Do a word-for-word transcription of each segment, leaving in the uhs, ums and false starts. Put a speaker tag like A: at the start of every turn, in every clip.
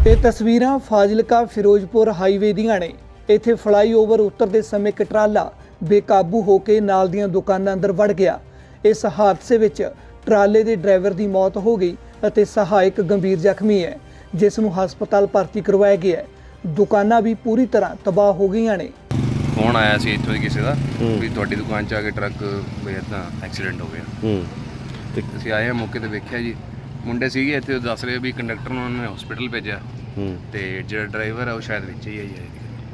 A: ਇਹ ਤਸਵੀਰਾਂ ਫਾਜ਼ਿਲਕਾ ਫਿਰੋਜ਼ਪੁਰ ਹਾਈਵੇ ਦੀਆਂ ਨੇ। ਇੱਥੇ ਫਲਾਈਓਵਰ ਉਤਰਦੇ ਸਮੇਂ ਇੱਕ ਟਰਾਲਾ ਬੇਕਾਬੂ ਹੋ ਕੇ ਨਾਲ ਦੀਆਂ ਦੁਕਾਨਾਂ ਅੰਦਰ ਵੜ ਗਿਆ। ਇਸ ਹਾਦਸੇ ਵਿੱਚ ਟਰਾਲੇ ਦੇ ਡਰਾਈਵਰ ਦੀ ਮੌਤ ਹੋ ਗਈ ਅਤੇ ਸਹਾਇਕ ਗੰਭੀਰ ਜ਼ਖਮੀ ਹੈ, ਜਿਸ ਨੂੰ ਹਸਪਤਾਲ ਭਰਤੀ ਕਰਵਾਇਆ ਗਿਆ ਹੈ। ਦੁਕਾਨਾਂ ਵੀ ਪੂਰੀ ਤਰ੍ਹਾਂ ਤਬਾਹ ਹੋ ਗਈਆਂ ਨੇ।
B: ਫੋਨ ਆਇਆ ਸੀ ਇੱਥੋਂ ਦੀ ਕਿਸੇ ਦਾ ਵੀ ਤੁਹਾਡੀ ਦੁਕਾਨ 'ਚ ਆ ਕੇ ਟਰੱਕ ਵੀ ਇੱਦਾਂ ਐਕਸੀਡੈਂਟ ਹੋ ਗਿਆ।
C: ਹੂੰ
B: ਤੇ ਅਸੀਂ ਆਏ ਹਾਂ ਮੌਕੇ ਤੇ ਵੇਖਿਆ ਜੀ, ਮੁੰਡੇ ਸੀਗੇ ਇੱਥੇ, ਦੱਸ ਰਹੇ ਵੀ ਕੰਡਕਟਰ ਨੂੰ ਉਹਨਾਂ ਨੇ ਹਸਪੀਟਲ ਭੇਜਿਆ
C: ਹੂੰ
B: ਤੇ ਜਿਹੜਾ ਡਰਾਈਵਰ ਆ ਉਹ ਸ਼ਾਇਦ ਵਿੱਚ ਹੀ ਆਈ ਹੈ।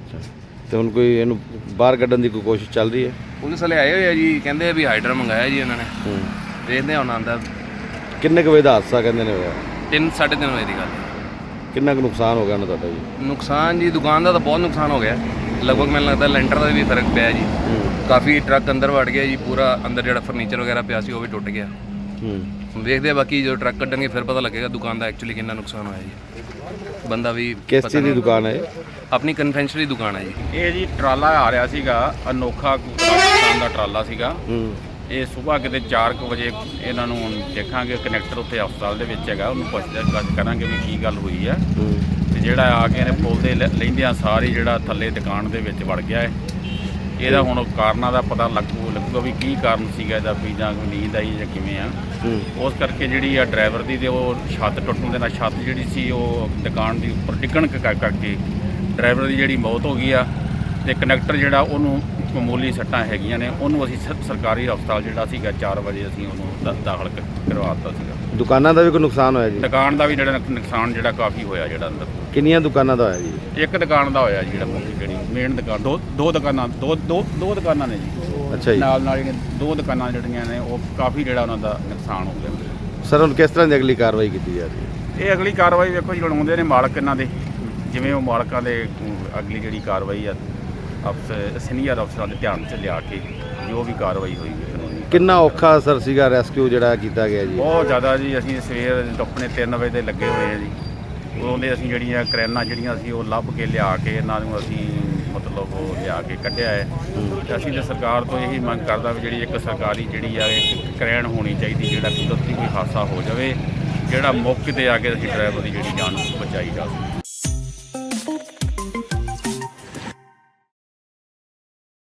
C: ਤੇ ਹੁਣ ਕੋਈ ਇਹਨੂੰ ਬਾਹਰ ਕੱਢਣ ਦੀ ਕੋਈ ਕੋਸ਼ਿਸ਼ ਚੱਲ ਰਹੀ ਹੈ?
B: ਪੁਲਿਸ ਵਾਲੇ ਆਏ ਹੋਏ ਆ ਜੀ, ਕਹਿੰਦੇ ਆ ਵੀ ਹਾਈਡਰਾ ਮੰਗਾਇਆ ਜੀ ਉਹਨਾਂ ਨੇ।
C: ਹੂੰ
B: ਦੇਖਦੇ ਹਾਂ ਹੁਣ ਆਉਂਦਾ।
C: ਕਿੰਨੇ ਕੁ ਵਜੇ ਦਾ ਹਾਦਸਾ ਕਹਿੰਦੇ ਨੇ ਹੋਇਆ?
B: ਤਿੰਨ ਸਾਢੇ ਤਿੰਨ ਵਜੇ ਦੀ ਗੱਲ ਹੈ।
C: ਕਿੰਨਾ ਕੁ ਨੁਕਸਾਨ ਹੋ ਗਿਆ ਉਹਨਾਂ ਤੁਹਾਡਾ ਜੀ?
B: ਨੁਕਸਾਨ ਜੀ ਦੁਕਾਨ ਦਾ ਤਾਂ ਬਹੁਤ ਨੁਕਸਾਨ ਹੋ ਗਿਆ, ਲਗਭਗ ਮੈਨੂੰ ਲੱਗਦਾ ਲੈਂਟਰ ਦਾ ਵੀ ਫਰਕ ਪਿਆ ਜੀ।
C: ਹੂੰ
B: ਕਾਫੀ ਟਰੱਕ ਅੰਦਰ ਵੜ ਗਿਆ ਜੀ, ਪੂਰਾ ਅੰਦਰ ਜਿਹੜਾ ਫਰਨੀਚਰ ਵਗੈਰਾ ਪਿਆ ਸੀ ਉਹ ਵੀ ਟੁੱਟ ਗਿਆ।
C: ਹੂੰ
B: ਹੁਣ ਦੇਖਦੇ ਆ ਬਾਕੀ ਜਦੋਂ ਟਰੱਕ ਕੱਢਣਗੇ ਫਿਰ ਪਤਾ ਲੱਗੇਗਾ ਦੁਕਾਨ ਦਾ ਐਕਚੁਅਲੀ ਕਿੰਨਾ ਨੁਕਸਾਨ ਹੋਇਆ ਜੀ। ਬੰਦਾ ਵੀ
C: ਕਿਸ ਚੀਜ਼ ਦੀ ਦੁਕਾਨ ਹੈ ਇਹ?
B: ਆਪਣੀ ਕਨਫੈਕਸ਼ਨਰੀ ਦੁਕਾਨ ਹੈ ਜੀ।
D: ਇਹ ਜੀ ਟਰਾਲਾ ਆ ਰਿਹਾ ਸੀਗਾ, ਅਨੋਖਾ ਪਾਕਿਸਤਾਨ ਦਾ ਟਰਾਲਾ ਸੀਗਾ।
C: ਹੂੰ
D: ਇਹ ਸਵੇਰ ਕਿਤੇ ਚਾਰ ਕੁ ਵਜੇ ਇਹਨਾਂ ਨੂੰ ਦੇਖਾਂਗੇ, ਕਨੈਕਟਰ ਉੱਥੇ ਹਸਪਤਾਲ ਦੇ ਵਿੱਚ ਹੈਗਾ, ਉਹਨੂੰ ਪੁੱਛਦੇ ਕਰਾਂਗੇ ਵੀ ਕੀ ਗੱਲ ਹੋਈ ਆ।
C: ਹੂੰ
D: ਤੇ ਜਿਹੜਾ ਆ ਕੇ ਇਹਨੇ ਪੁਲ ਦੇ ਲੈਂਦਿਆਂ ਸਾਰੀ ਜਿਹੜਾ ਥੱਲੇ ਦੁਕਾਨ ਦੇ ਵਿੱਚ ਵੜ ਗਿਆ ਹੈ। ਇਹਦਾ ਹੁਣ ਕਾਰਨਾਂ ਦਾ ਪਤਾ ਲੱਗੂ ਲੱਗੂਗਾ ਵੀ ਕੀ ਕਾਰਨ ਸੀਗਾ ਇਹਦਾ, ਵੀ ਜਾਂ ਕੋਈ ਨੀਂਦ ਆਈ ਜਾਂ ਕਿਵੇਂ ਆ।
C: ਹੂੰ
D: ਉਸ ਕਰਕੇ ਜਿਹੜੀ ਆ ਡਰਾਈਵਰ ਦੀ ਤੇ ਉਹ ਛੱਤ ਟੁੱਟਣ ਦੇ ਨਾਲ ਛੱਤ ਜਿਹੜੀ ਸੀ ਉਹ ਦੁਕਾਨ ਦੀ ਉੱਪਰ ਡਿੱਗਣ ਕਰ- ਕਰਕੇ ਡਰਾਈਵਰ ਦੀ ਜਿਹੜੀ ਮੌਤ ਹੋ ਗਈ ਆ। ਤੇ ਕਨੈਕਟਰ ਜਿਹੜਾ ਉਹਨੂੰ ਮਾਮੂਲੀ ਸੱਟਾਂ ਹੈਗੀਆਂ ਨੇ, ਉਹਨੂੰ ਅਸੀਂ ਸ- ਸਰਕਾਰੀ ਹਸਪਤਾਲ ਜਿਹੜਾ ਸੀਗਾ ਚਾਰ ਵਜੇ ਅਸੀਂ ਉਹਨੂੰ ਦ- ਦਾਖਲ ਕ- ਕਰਵਾ ਦਿੱਤਾ ਸੀਗਾ।
C: ਦੁਕਾਨਾਂ ਦਾ ਵੀ ਕੋਈ ਨੁਕਸਾਨ ਹੋਇਆ ਜੀ?
D: ਦੁਕਾਨ ਦਾ ਵੀ ਜਿਹੜਾ ਨੁਕ- ਨੁਕਸਾਨ ਜਿਹੜਾ ਕਾਫੀ ਹੋਇਆ ਜਿਹੜਾ ਅੰਦਰ।
C: ਕਿੰਨੀਆਂ ਦੁਕਾਨਾਂ ਦਾ ਹੋਇਆ ਜੀ?
D: ਇੱਕ ਦੁਕਾਨ ਦਾ ਹੋਇਆ ਜੀ, ਜਿਹੜਾ ਮੁੱਖ ਜਿਹੜੀ ਮੇਨ ਦੁਕਾਨ, ਦੋ ਦੋ ਦੁਕਾਨਾਂ ਦੋ ਦੋ ਦੋ ਦੁਕਾਨਾਂ ਨੇ ਜੀ।
C: ਅੱਛਾ ਜੀ।
D: ਨਾਲ ਨਾਲ ਜਿਹੜੀਆਂ ਦੋ ਦੁਕਾਨਾਂ ਜਿਹੜੀਆਂ ਨੇ ਉਹ ਕਾਫੀ ਜਿਹੜਾ ਉਹਨਾਂ ਦਾ ਨੁਕਸਾਨ ਹੋ ਗਿਆ।
C: ਸਰ ਹੁਣ ਕਿਸ ਤਰ੍ਹਾਂ ਦੀ ਅਗਲੀ ਕਾਰਵਾਈ ਕੀਤੀ ਜਾ ਰਹੀ ਹੈ?
D: ਇਹ ਅਗਲੀ ਕਾਰਵਾਈ ਵੇਖੋ ਜੀ, ਹੁਣ ਆਉਂਦੇ ਨੇ ਮਾਲਕ ਇਹਨਾਂ ਦੇ, ਜਿਵੇਂ ਉਹ ਮਾਲਕਾਂ ਦੇ ਅਮ, ਅਗਲੀ ਜਿਹੜੀ ਕਾਰਵਾਈ ਆ ਅਫਸਰ ਸੀਨੀਅਰ ਅਫਸਰਾਂ ਦੇ ਧਿਆਨ 'ਚ ਲਿਆ ਕੇ ਜੋ ਵੀ ਕਾਰਵਾਈ ਹੋਏਗੀ ਕਾਨੂੰਨੀ।
C: ਕਿੰਨਾ ਔਖਾ ਸਰ ਸੀਗਾ ਰੈਸਕਿਊ ਜਿਹੜਾ ਕੀਤਾ ਗਿਆ ਜੀ?
D: ਬਹੁਤ ਜ਼ਿਆਦਾ ਜੀ। ਅਸੀਂ ਸਵੇਰ ਆਪਣੇ ਤਿੰਨ ਵਜੇ ਦੇ ਲੱਗੇ ਹੋਏ ਆ ਜੀ। ਉਦੋਂ ਦੇ ਅਸੀਂ ਜਿਹੜੀਆਂ ਕਰੈਨਾਂ ਜਿਹੜੀਆਂ ਸੀ ਉਹ ਲੱਭ ਕੇ ਲਿਆ ਕੇ ਇਹਨਾਂ ਨੂੰ ਅਸੀਂ ਮਤਲਬ ਉਹ ਲਿਆ ਕੇ ਕੱਢਿਆ ਹੈ। ਤੇ ਅਸੀਂ ਤਾਂ ਸਰਕਾਰ ਤੋਂ ਇਹੀ ਮੰਗ ਕਰਦਾ ਵੀ ਜਿਹੜੀ ਇੱਕ ਸਰਕਾਰੀ ਜਿਹੜੀ ਆ ਇੱਕ ਕਰੈਨ ਹੋਣੀ ਚਾਹੀਦੀ, ਜਿਹੜਾ ਕੁਦਰਤੀ ਕੋਈ ਹਾਦਸਾ ਹੋ ਜਾਵੇ ਜਿਹੜਾ ਮੌਕੇ 'ਤੇ ਆ ਕੇ ਅਸੀਂ ਡਰਾਈਵਰ ਦੀ ਜਿਹੜੀ ਜਾਨ ਬਚਾਈ ਜਾ ਸਕੇ।